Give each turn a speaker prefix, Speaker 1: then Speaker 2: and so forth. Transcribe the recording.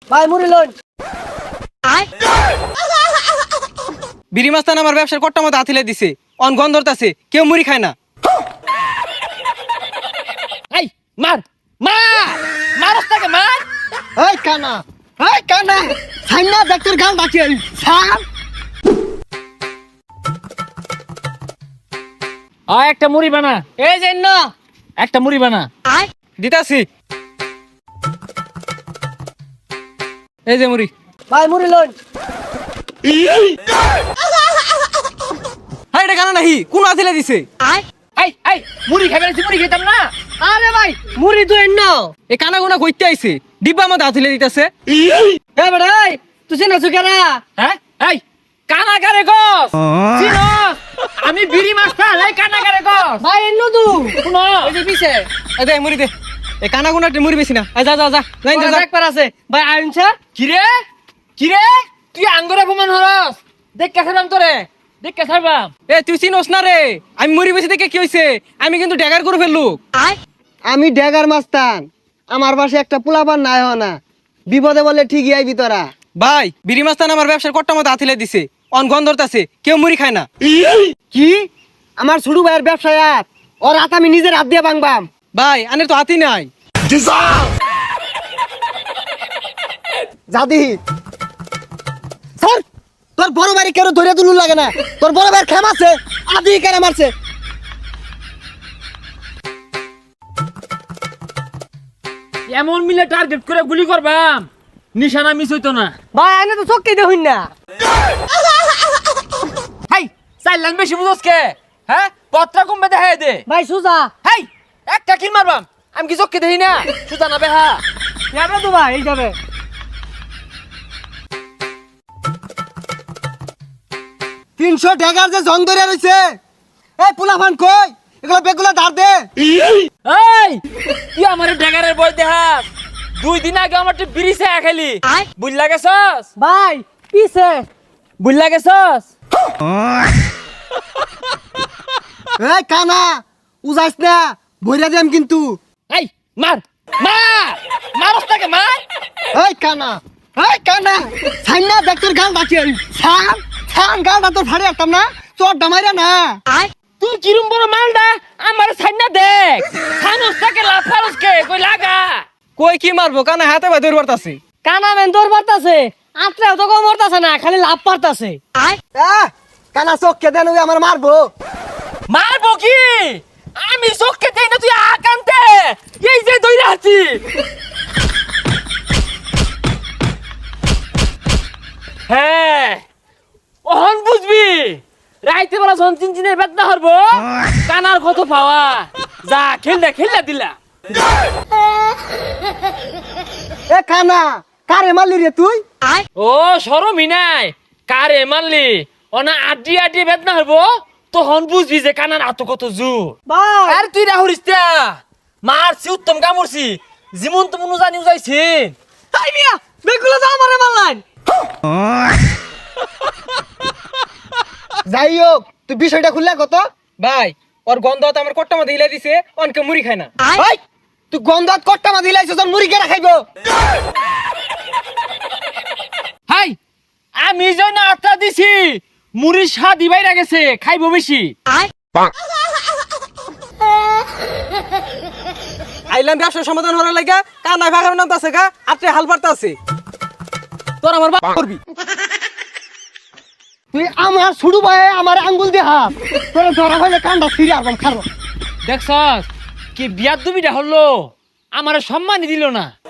Speaker 1: ভাই মুড়ি লন।
Speaker 2: বিড়ি মাস্তান আমার ব্যবসার কট্টা মতো হাতিলে দিছে, অন গন্ধ ধরতাছে, কেউ মুড়ি খায় না।
Speaker 3: এই মার মার মারস্তাকে মার।
Speaker 1: এই কানা, এই কানা, সাইনা ডাক্তার গাল ডাকে সার।
Speaker 3: একটা মুড়ি বানা,
Speaker 2: এই যে না
Speaker 3: একটা মুড়ি বানা।
Speaker 2: দিতাছি, এই যে মুড়ি।
Speaker 1: ভাই মুড়ি লন।
Speaker 2: হ্যাঁ এটা কেন নাহি, কোন হাতিলে দিছে?
Speaker 3: এই এই মুড়ি খাবে না, মুড়ি খেতাম না।
Speaker 1: আরে ভাই মুড়ি তো এন্ন।
Speaker 2: এ কানা গোনা কইতে আইছে, ডিব্বা মতো হাতিলে দিতেছে।
Speaker 1: এ বেটা এই তুই চেনা সুকেরা?
Speaker 3: হ্যাঁ এই কানাকারে গস চিনস? আমি বিড়ি মাস্টার, এই কানাকারে গস।
Speaker 1: ভাই এন্ন তু
Speaker 3: শুনো
Speaker 1: ওই যে পিছে
Speaker 2: এই দে মুড়ি দে, এ কানা গোনা মুড়ি বেশি না। এই যা যা যা, লাইন যা যা।
Speaker 1: একবার আছে ভাই আইন স্যার।
Speaker 3: কিরে কিরে তুই আঙ্গুরে অপমান হরস? দেখ কেসাবাম তোরে, দেখ কেসাবাম।
Speaker 2: এ তুই চিনস না রে, আমি মুড়ি বেশি দেখে কি হইছে, আমি কিন্তু ড্যাগার করে ফেললু।
Speaker 1: আমি ড্যাগার মাস্তান, আমার পাশে একটা পোলাপান নাই না, বিপদে বলে ঠিকই আইবি তোরা।
Speaker 2: ভাই বিড়ি মাস্তান আমার ব্যবসার কট্টা মতো হাতিলে দিছে, অন গন্ধ ধরতাছে, কেউ মুড়ি খায় না।
Speaker 1: কি আমার ছোট ভাইয়ের ব্যবসায় আর ওর হাত আমি নিজের হাত দিয়ে ভাঙবাম।
Speaker 2: ভাই আনের তো হাতি নাই।
Speaker 1: জাদি স্যার, তোর বড় ভাই কেন ধরে তুলু লাগে না? তোর বড় ভাইয়ের খেম আছে, আদি কেন মারছে?
Speaker 3: এমন মিলে টার্গেট করে গুলি করবাম, নিশানা মিস হইতো না।
Speaker 1: ভাই আইনে তো চক্কি দেখুন না।
Speaker 3: হাই চার লাইন বেশি বুঝোস কে? হ্যাঁ পত্রা কমবে দেখাই দে।
Speaker 1: ভাই সুজা
Speaker 3: হাই একটা কিল মারবাম, আমি কি চোখকে দেখি না? সুজা না বেহা।
Speaker 1: যাবে তো ভাই, এই যাবে। 300 ড্যাগার যে জং ধরে রইছে, এই পোলাপান কই এগুলো বেগুলা ধার দে।
Speaker 3: এই তুই আমার ড্যাগারের বই দেখাস? 2 দিন আগে আমার বিড়ি চা খেলি, বুঝলা গেছস?
Speaker 1: ভাই পিছে
Speaker 3: বুঝলা গেছস?
Speaker 1: এই কানা উজাইস না, ভইরা দেম কিন্তু।
Speaker 3: এই মার মার মারস্তাকে মার।
Speaker 1: এই কানা, এই কানা, সাইনা ডাক্তার গাল ডাকে সার। সার গালটা তোর ফাড়ে আসতাম না, তোর ডামাইরা না।
Speaker 3: তুই কিরম বড় মালডা আমার সাইনা দেখ। সানস্তাকে লাফারসকে কই লাগা।
Speaker 2: কই কি মারবো, কানা হাতে ভাই দৌড় বাড়তাছে।
Speaker 1: কানা মেন তোর পারতাছে, আত্রাও তো কম মরতাছে না, খালি লাভ পারতাছে। কানা চোখকে দেন, ওই আমার মারবো।
Speaker 3: মারবো কি? আমি চোখকে দেই না, তুই আকান্তে এই যে দইরা আছি। হ্যাঁ ওহন বুঝবি, রাইতে বেলা যখন চিনচিনের বেদনা হরবো, কানার কত পাওয়া। যা খেললা খেললা দিলা।
Speaker 1: এ কানা কারে মারলি রে তুই?
Speaker 3: ও শরমই নাই, কারে মারলি? অনা আড্ডি আড্ডি বেদনা হরবো, তখন বুঝবি যে কানার আত কত জোর।
Speaker 1: ভাই
Speaker 3: আর তুই রাহুরিস তা মারছি, উত্তম কামড়ছি, যেমন তেমন জানি যাইছি।
Speaker 1: তাই মিয়া বেগুলা তো আমারে মারলান। যাই হোক তুই বিষয়টা খুললা কত?
Speaker 2: ভাই ওর গন্ধ তো আমার কট্টা মতো হিলে দিছে, অনকে মুড়ি খায় না।
Speaker 1: ভাই তুই গন্ধাত কট্টা মা দিলাইছ, তোর মুড়ি কেনা খাইবো?
Speaker 3: হাই আমি যেন আত্মা দিছি, মুড়ির স্বাদ বাইরা গেছে, খাইবো বেশি।
Speaker 2: আইলাম ব্যবসার সমাধান হওয়ার লাগা, কানা ভাগার নাম আছে গা, আত্রে হাল পারতা আছে। তোর আমার বাপ করবি।
Speaker 1: তুই আমার ছুড়ু ভাই আমার আঙ্গুল দিয়ে হাত, তোর ধরা হইলে কান্ডা ফিরে আসবাম খারো।
Speaker 3: দেখছস কি বিয়ার দুবিটা হলো, আমার সম্মানই দিল না।